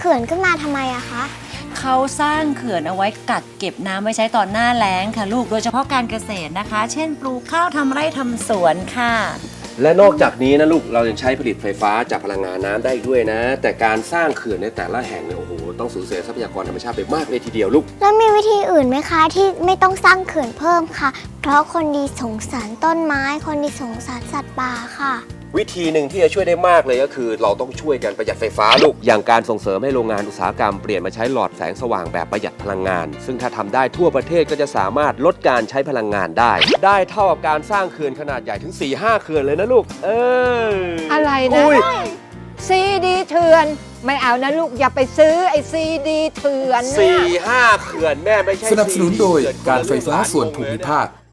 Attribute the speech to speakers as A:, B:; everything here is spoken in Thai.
A: ขื่อนขึ้นมาทำไมอะคะ
B: เขาสร้างเขื่อนเอาไว้กักเก็บน้ำไว้ใช้ตอนหน้าแล้งค่ะลูกโดยเฉพาะการเกษตรนะคะ เช่นปลูกข้าวทำไร่ทำสวนค่ะ
C: และนอกจากนี้นะลูกเรายังใช้ผลิตไฟฟ้าจากพลังงานน้ำได้อีกด้วยนะ แต่การสร้างเขื่อนในแต่ละแห่งเนี่ยโอ้โหต้องสูญเสียทรัพยากรธรรมชาติไปมากเลยทีเดียวลูก
A: แล้วมีวิธีอื่นไหมคะที่ไม่ต้องสร้างเขื่อนเพิ่มค่ะ เพราะคนดีสงสารต้นไม้ คนดีสงสารสัตว์ป่าค่ะ
C: วิธีหนึ่งที่จะช่วยได้มากเลยก็คือ เราต้องช่วยกันประหยัดไฟฟ้าลูกอย่างการส่งเสริมให้โรงงานอุตสาหกรรมเปลี่ยนมาใช้หลอดแสงสว่างแบบประหยัดพลังงาน ซึ่งถ้าทำได้ทั่วประเทศก็จะสามารถลดการใช้พลังงานได้เท่ากับการสร้างเขื่อนขนาดใหญ่ถึง 4-5 เขื่อนเลยนะลูก
D: อะไรนะ ซีดีเถื่อนไม่เอานะลูกอย่าไปซื้อไอซีดีเถื่อน
C: 4-5 เขื่อนแม่ไม่ใช่
E: สนับสนุนโดยการไฟฟ้าส่วนภูมิภาค